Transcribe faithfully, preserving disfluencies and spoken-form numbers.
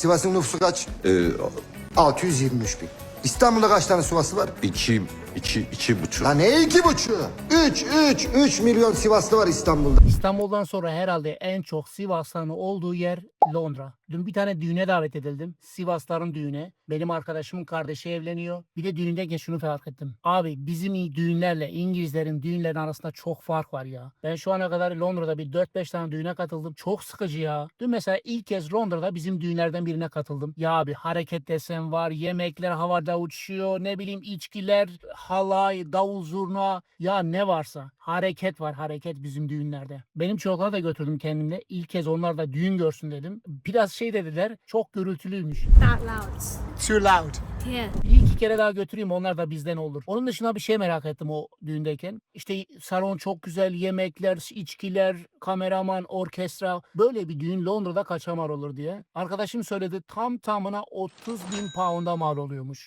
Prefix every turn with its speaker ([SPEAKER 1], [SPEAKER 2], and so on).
[SPEAKER 1] Sivas'ın nüfusu kaç?
[SPEAKER 2] Ee,
[SPEAKER 1] altı yüz yirmi üç bin. İstanbul'da kaç tane Sivaslı var?
[SPEAKER 2] iki, iki, iki buçuk.
[SPEAKER 1] Lan ne iki buçuğu? Üç, üç, üç milyon Sivaslı var İstanbul'da.
[SPEAKER 3] İstanbul'dan sonra herhalde en çok Sivaslı'nın olduğu yer Londra. Dün bir tane düğüne davet edildim. Sivasların düğüne. Benim arkadaşımın kardeşi evleniyor. Bir de düğündeyken şunu fark ettim. Abi bizim düğünlerle İngilizlerin düğünlerin arasında çok fark var ya. Ben şu ana kadar Londra'da bir dört beş tane düğüne katıldım. Çok sıkıcı ya. Dün mesela ilk kez Londra'da bizim düğünlerden birine katıldım. Ya abi hareket desen var. Yemekler havada uçuyor. Ne bileyim içkiler, halay, davul zurna. Ya ne varsa. Hareket var hareket bizim düğünlerde. Benim çocuklara da götürdüm kendimle. İlk kez onlar da düğün görsün dedim. Biraz şey dediler. Çok gürültülüymüş.
[SPEAKER 4] That loud.
[SPEAKER 3] Too loud.
[SPEAKER 4] Yeah.
[SPEAKER 3] Bir iki kere daha götüreyim onlar da bizden olur. Onun dışında bir şey merak ettim o düğündeyken. İşte salon çok güzel, yemekler, içkiler, kameraman, orkestra. Böyle bir düğün Londra'da kaça mal olur diye. Arkadaşım söyledi tam tamına otuz bin pound'a mal oluyormuş.